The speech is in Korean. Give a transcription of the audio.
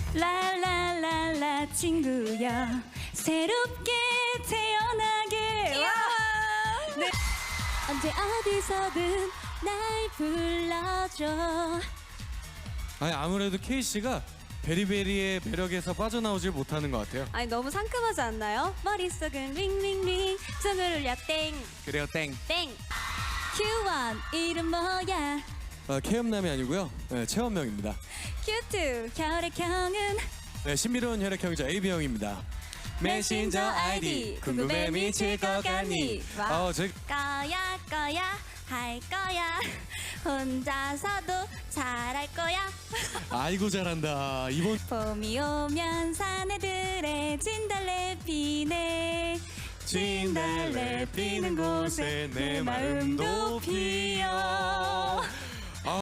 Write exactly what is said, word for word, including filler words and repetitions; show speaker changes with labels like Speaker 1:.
Speaker 1: 랄랄랄라 친구야 새롭게 태어나게 와. 네. 언제 어디서든 날 불러줘.
Speaker 2: 아니 아무래도 K 씨가 베리베리의 매력에서 빠져나오질 못하는 것 같아요.
Speaker 1: 아니 너무 상큼하지 않나요? 머릿속은 링링링 tum을 울려 땡
Speaker 2: 그래요 땡.
Speaker 1: 땡. 큐원 이름 뭐야?
Speaker 2: 어, K음남이 아니고요. 네, 체험명입니다.
Speaker 1: 큐투 혈액형은
Speaker 2: 네, 신비로운 혈액형이자 에이비형입니다. 메신저 아이디 궁금해 미칠 것 같니?
Speaker 1: 와.
Speaker 2: 어, 제
Speaker 1: 거야 거야 할 거야 혼자서도 잘할 거야.
Speaker 2: 아이고 잘한다. 이번
Speaker 1: 봄이 오면 사내들의 진달래 피네
Speaker 2: 진달래 피는 곳에 내 마음도 피어.